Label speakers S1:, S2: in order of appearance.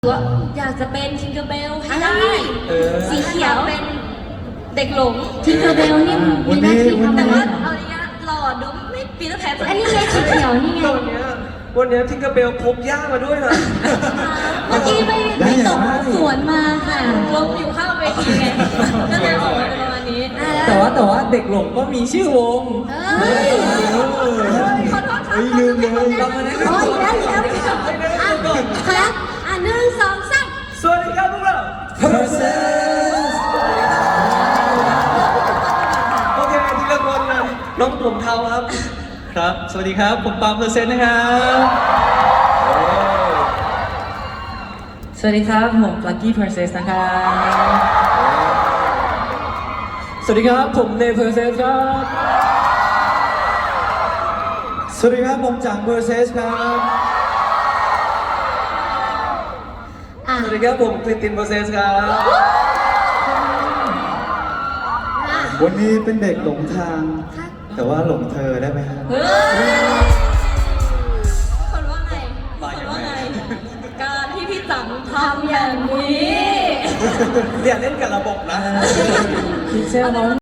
S1: ว่าอยากจะเป็นทิงเกอร์เบลให้ได้สีเขียวเป็นเด็กหลง
S2: ทิงเกอร์เบลนี่มีหน้าที่ทำ
S1: แต่
S2: อะไร
S1: ว่าเอาอย่างเงี้ยหล่อดูไม่ปีเตอร์แพน
S2: อันนี้ไงสีเขียวนี่ไง
S3: วันนี้ทิงเกอร์เบลพกย่ามาด้วยนะ
S2: เมื่อกี้ไปตกสวนมาค่ะ
S1: ลมอยู่ข้างเวทีไงก็เลยออกมาเป็นประมาณนี้
S4: แต่ว่าเด็กหลงก็มีชื่อวง
S2: เฮ้ย
S1: ขอโทษครับ
S4: ลืมเลยเรามาแนะ
S2: โอ้ย
S4: นำ
S2: แล้วค่ะหนึ่งสองสาม
S3: สวัสดีครับพวกเรา
S4: Process
S3: โอเคทีละคนนะน้องผมเทาครับ
S4: ครับ สวัสดีครับผมปาล์ม Process นะครับ สวัสดีครับผม Lucky Process นะครับ สวัสดีครับผมเน Process ครับสวัสดีครับผมจัง Process ครับ
S3: สวัสดีครับผมคลินตินโปรเซสครับ
S5: วันนี้เป็นเด็กหลงทาง แต่ว่าหลงเธอได้ไหมครับ
S1: เฮ้ยคนว่าไงคนว่าไง การที่พี่จังทำอย่างนี้
S3: อย่าเล่นกับระบบนะ
S4: พิเศษน้อง